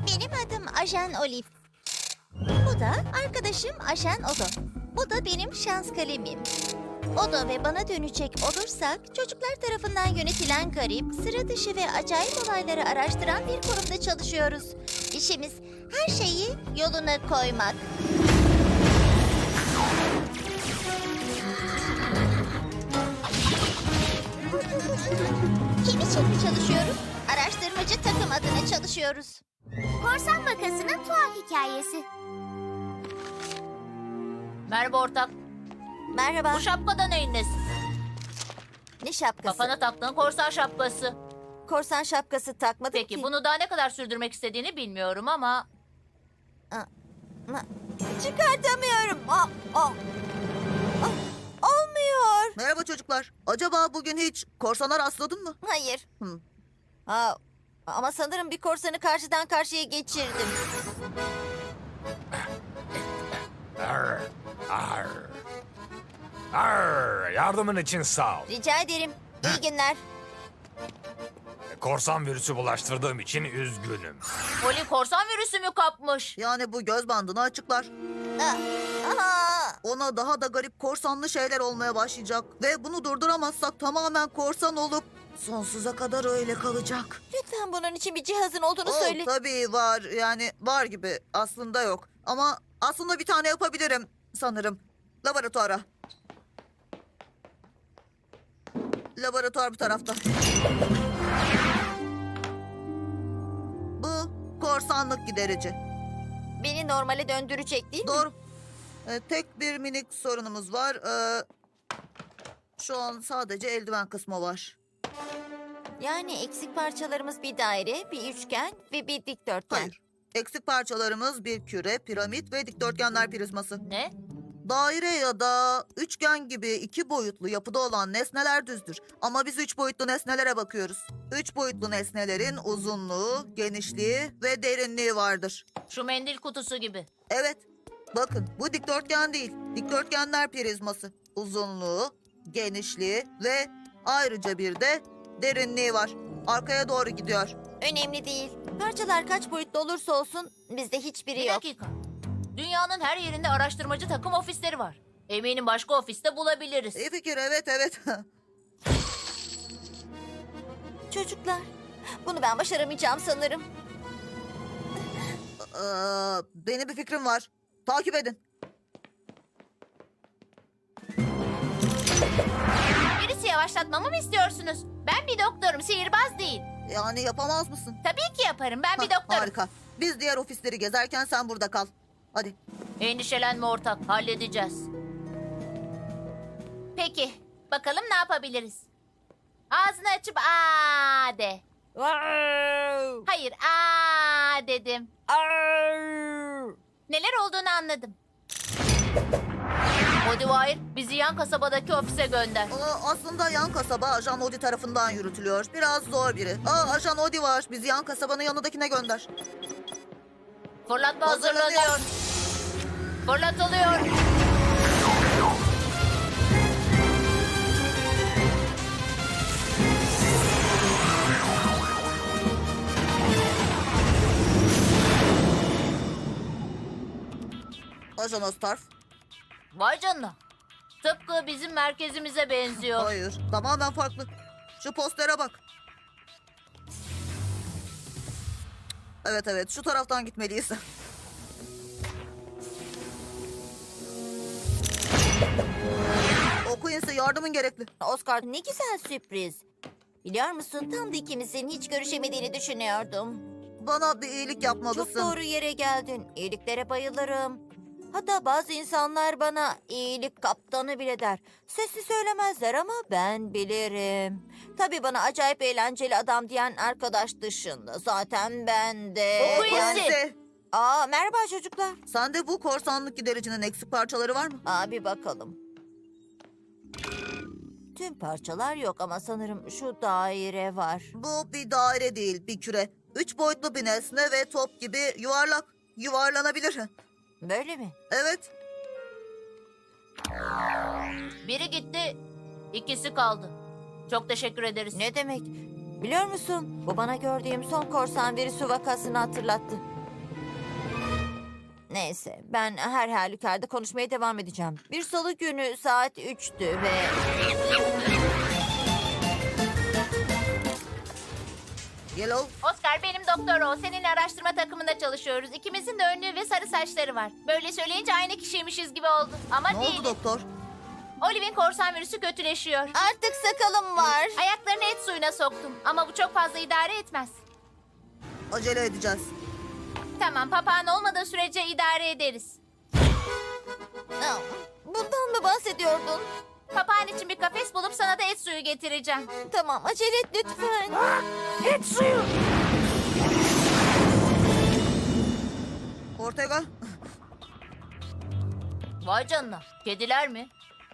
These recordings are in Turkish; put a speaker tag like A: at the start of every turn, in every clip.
A: Benim adım Ajan Olive. Bu da arkadaşım Ajan Odo. Bu da benim şans kalemim. Odo ve bana dönecek olursak, çocuklar tarafından yönetilen garip, sıra dışı ve acayip olayları araştıran bir kurumda çalışıyoruz. İşimiz her şeyi yoluna koymak. Kim için mi çalışıyoruz? Araştırmacı takım adına çalışıyoruz.
B: Korsan vakasının tuhaf hikayesi.
C: Merhaba ortak.
A: Merhaba.
C: Bu şapkada neyin nesi?
A: Ne şapkası?
C: Kafana taktığın korsan şapkası.
A: Korsan şapkası takmadım
C: Peki
A: ki.
C: bunu daha ne kadar sürdürmek istediğini bilmiyorum ama...
A: Çıkartamıyorum. Olmuyor.
D: Merhaba çocuklar. Acaba bugün hiç korsana rastladın mı?
A: Hayır.
D: Hı.
A: Ama sanırım bir korsanı karşıdan karşıya geçirdim.
E: Arr, arr. Arr, yardımın için sağ ol.
A: Rica ederim. İyi günler.
E: Korsan virüsü bulaştırdığım için üzgünüm.
C: Poli korsan virüsü mü kapmış?
D: Yani bu göz bandını açıklar.
A: Aha.
D: Ona daha da garip korsanlı şeyler olmaya başlayacak. Ve bunu durduramazsak tamamen korsan olup sonsuza kadar öyle kalacak.
A: Lütfen bunun için bir cihazın olduğunu
D: Oh,
A: söyle.
D: tabii var. Yani var gibi. Aslında yok. Ama aslında bir tane yapabilirim sanırım. Laboratuvara. Laboratuvar bu tarafta. Bu korsanlık giderici.
A: Beni normale döndürecek değil mi?
D: Doğru. Tek bir minik sorunumuz var. Şu an sadece eldiven kısmı var.
A: Yani eksik parçalarımız bir daire, bir üçgen ve bir dikdörtgen.
D: Hayır. Eksik parçalarımız bir küre, piramit ve dikdörtgenler prizması.
C: Ne?
D: Daire ya da üçgen gibi iki boyutlu yapıda olan nesneler düzdür. Ama biz üç boyutlu nesnelere bakıyoruz. Üç boyutlu nesnelerin uzunluğu, genişliği ve derinliği vardır.
C: Şu mendil kutusu gibi.
D: Evet. Bakın bu dikdörtgen değil. Dikdörtgenler prizması. Uzunluğu, genişliği ve ayrıca bir de derinliği var. Arkaya doğru gidiyor.
A: Önemli değil. Parçalar kaç boyutlu olursa olsun bizde hiçbiri
C: Bir
A: yok.
C: dakika. Dünyanın her yerinde araştırmacı takım ofisleri var. Eminim başka ofiste bulabiliriz.
D: İyi fikir, evet.
A: Çocuklar, bunu ben başaramayacağım sanırım.
D: Benim bir fikrim var. Takip edin.
C: Birisi yavaşlatmamı mı istiyorsunuz? Ben bir doktorum, sihirbaz değil.
D: Yani yapamaz mısın?
C: Tabii ki yaparım, ben bir
D: Hah,
C: doktorum.
D: Harika. Biz diğer ofisleri gezerken sen burada kal. Hadi.
C: Endişelenme ortak, halledeceğiz. Peki, bakalım ne yapabiliriz? Ağzını açıp aa de. Hayır, aa dedim. Neler olduğunu anladım. Modiwire, bizi yan kasabadaki ofise gönder.
D: Aslında yan kasaba Ajan Odi tarafından yürütülüyor. Biraz zor biri. Ajan Odi var. Bizi yan kasabanın yanındakine gönder.
C: Fırlatma
D: Hazırlanıyor.
C: hazırlanıyor. Fırlatılıyor.
D: Ajan Ostarf.
C: Vay canına. Tıpkı bizim merkezimize benziyor.
D: Hayır. Tamamen farklı. Şu postere bak. Evet. Şu taraftan gitmeliyiz. Okuyun size yardımın gerekli.
A: Oscar, ne güzel sürpriz. Biliyor musun, tam da ikimizin hiç görüşemediğini düşünüyordum.
D: Bana bir iyilik yapmalısın.
A: Çok doğru yere geldin. İyiliklere bayılırım. Hatta bazı insanlar bana iyilik kaptanı bile der. Sesli söylemezler ama ben bilirim. Tabii bana acayip eğlenceli adam diyen arkadaş dışında. Zaten ben de...
C: Okuyun
D: Quincy,
A: Merhaba çocuklar.
D: sende bu korsanlık gidericinin eksik parçaları var mı?
A: Bir bakalım. Tüm parçalar yok ama sanırım şu daire var.
D: Bu bir daire değil, bir küre. Üç boyutlu bir nesne ve top gibi yuvarlak. Yuvarlanabilir.
A: Böyle mi?
D: Evet.
C: Biri gitti, ikisi kaldı. Çok teşekkür ederiz.
A: Ne demek? Biliyor musun? Bu bana gördüğüm son korsan virüsü vakasını hatırlattı.
F: Neyse, ben her halükarda konuşmaya devam edeceğim. Bir salı günü saat 3'tü ve...
D: Yellow,
C: Oscar benim doktor o. Seninle araştırma takımında çalışıyoruz. İkimizin de önlüğü ve sarı saçları var. Böyle söyleyince aynı kişiymişiz gibi oldu. Ama
D: ne
C: değil.
D: oldu doktor?
C: Olive'in korsan virüsü kötüleşiyor.
F: Artık sakalım var.
C: Ayaklarını et suyuna soktum. Ama bu çok fazla idare etmez.
D: Acele edeceğiz.
C: Tamam, papağan olmadığı sürece idare ederiz.
F: Bundan mı bahsediyordun?
C: Papağan için bir kafes bulup sana da et suyu getireceğim.
F: Tamam, acele et lütfen.
D: Ortega,
C: Vay canına. Kediler mi?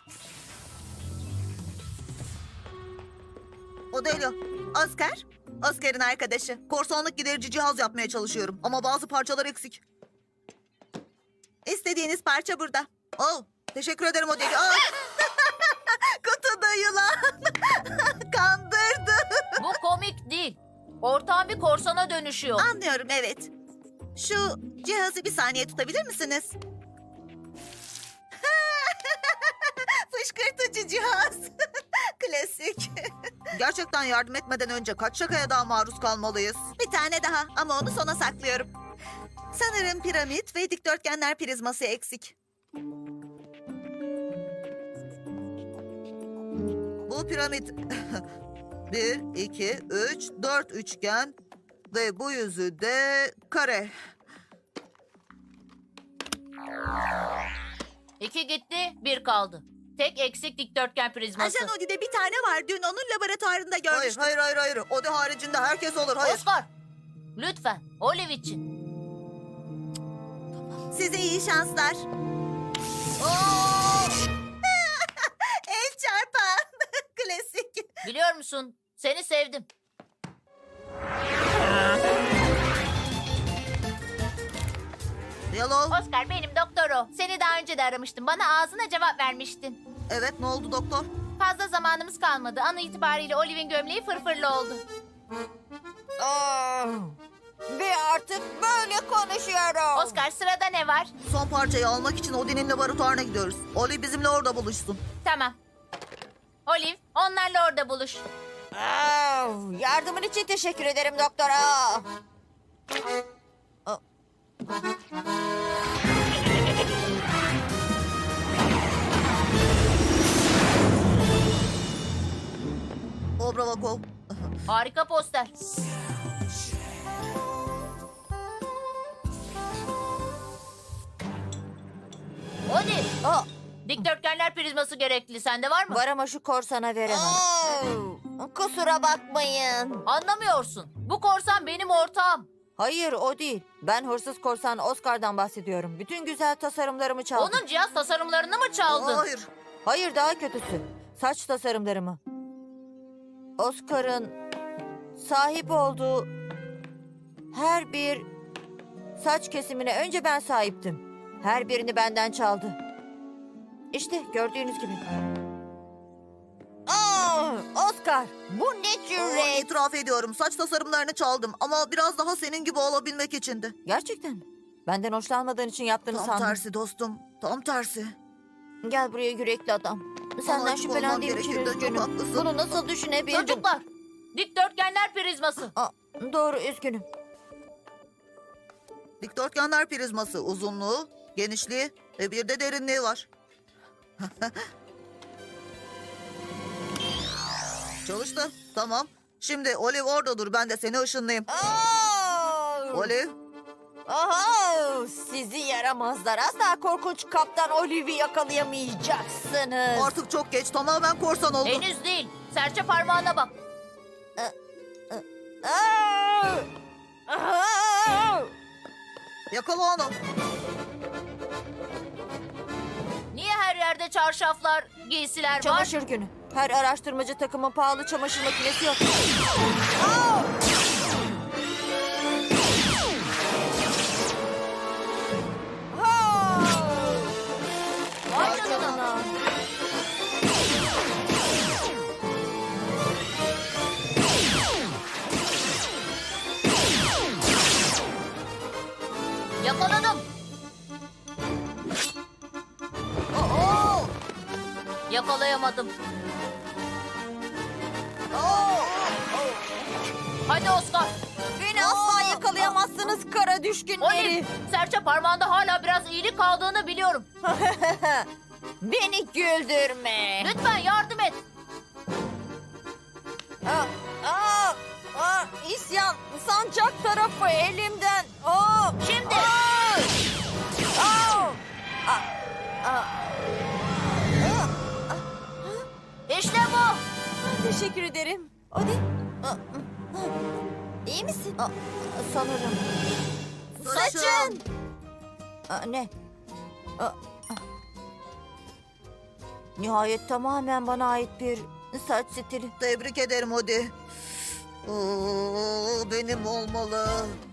D: Odelio, Oscar. Oscar'ın arkadaşı. Korsanlık giderici cihaz yapmaya çalışıyorum. Ama bazı parçalar eksik. İstediğiniz parça burada. Oh, teşekkür ederim Odelio. Aa! Kutuda yılan. Kandırdı.
C: Bu komik değil. Ortağın bir korsana dönüşüyor.
D: Anlıyorum, evet. Şu cihazı bir saniye tutabilir misiniz? Fışkırtıcı cihaz. Klasik. Gerçekten yardım etmeden önce kaç şakaya daha maruz kalmalıyız? Bir tane daha ama onu sona saklıyorum. Sanırım piramit ve dikdörtgenler prizması eksik. Bu piramit 1, 2, 3, 4 üçgen ve bu yüzü de kare.
C: 2 gitti, 1 kaldı. Tek eksik dikdörtgen prizması.
G: Ajan Odi'de bir tane var. Dün onun laboratuvarında
D: Hayır,
G: görmüştüm.
D: hayır. O da haricinde herkes olur, hayır.
C: Oscar, lütfen Olive için.
G: Size iyi şanslar.
D: El çarpan. Klasik.
C: Biliyor musun? Seni sevdim.
D: Yellow.
C: Oscar benim doktor o. Seni daha önce de aramıştım. Bana ağzına cevap vermiştin.
D: Evet, ne oldu doktor?
C: Fazla zamanımız kalmadı. An itibariyle Olive'in gömleği fırfırlı oldu.
F: Ve artık böyle konuşuyorum.
C: Oscar sırada ne var?
D: Son parçayı almak için Odin'in laboratuvarına gidiyoruz. Oli bizimle orada buluşsun.
C: Tamam. Olive onlarla orada buluş.
F: Yardımın için teşekkür ederim doktora.
D: Obravakov.
C: Harika poster. Olive. Dikdörtgenler prizması gerekli. Sende var mı?
F: Var ama şu korsana veremem. Kusura bakmayın.
C: Anlamıyorsun. Bu korsan benim ortağım.
F: Hayır, o değil. Ben hırsız korsan Oscar'dan bahsediyorum. Bütün güzel tasarımlarımı çaldı.
C: Onun cihaz tasarımlarını mı çaldın?
D: Hayır.
F: Hayır, daha kötüsü. Saç tasarımlarımı. Oscar'ın sahip olduğu her bir saç kesimine önce ben sahiptim. Her birini benden çaldı. İşte gördüğünüz gibi. Oscar, bu ne cüret?
D: İtiraf ediyorum, saç tasarımlarını çaldım. Ama biraz daha senin gibi olabilmek içindi.
F: Gerçekten mi? Benden hoşlanmadığın için yaptığını
D: Tam
F: sandım.
D: tersi dostum, tam tersi.
F: Gel buraya yürekli adam. Senden
D: açık olmam
F: şüphelendiğim için
D: gerekirdi, çok
F: üzgünüm.
D: haklısın.
F: Bunu nasıl düşünebildin?
C: Çocuklar. Dikdörtgenler prizması.
F: Doğru, üzgünüm.
D: Dikdörtgenler prizması uzunluğu, genişliği ve bir de derinliği var. Çalıştı. Tamam. Şimdi Olive orada dur. Ben de seni ışınlayayım. Olive.
F: Aha, sizi yaramazlar. Asla korkunç kaptan Olive'i yakalayamayacaksınız.
D: Artık çok geç. Tamamen korsan oldu.
C: Henüz değil. Serçe parmağına bak.
F: Aa! Aa!
D: Yakala onu.
C: Niye her yerde çarşaflar, giysiler var?
F: Çamaşır günü. Her araştırmacı takımın pahalı çamaşır makinesi yok.
C: Vay canına. Yakaladım. yakalayamadım. Hadi Oscar.
F: Beni asla yakalayamazsınız kara düşkünleri.
C: Olif, serçe parmağında hala biraz iyilik kaldığını biliyorum.
F: Beni güldürme.
C: Lütfen yardım et.
F: İsyan sancak tarafı elimden.
C: Şimdi. İşte bu.
F: Teşekkür ederim. Hadi. İyi misin? Sanırım.
D: Saçın.
F: Ne? Nihayet tamamen bana ait bir saç stili.
D: Tebrik ederim Odi. Benim olmalı.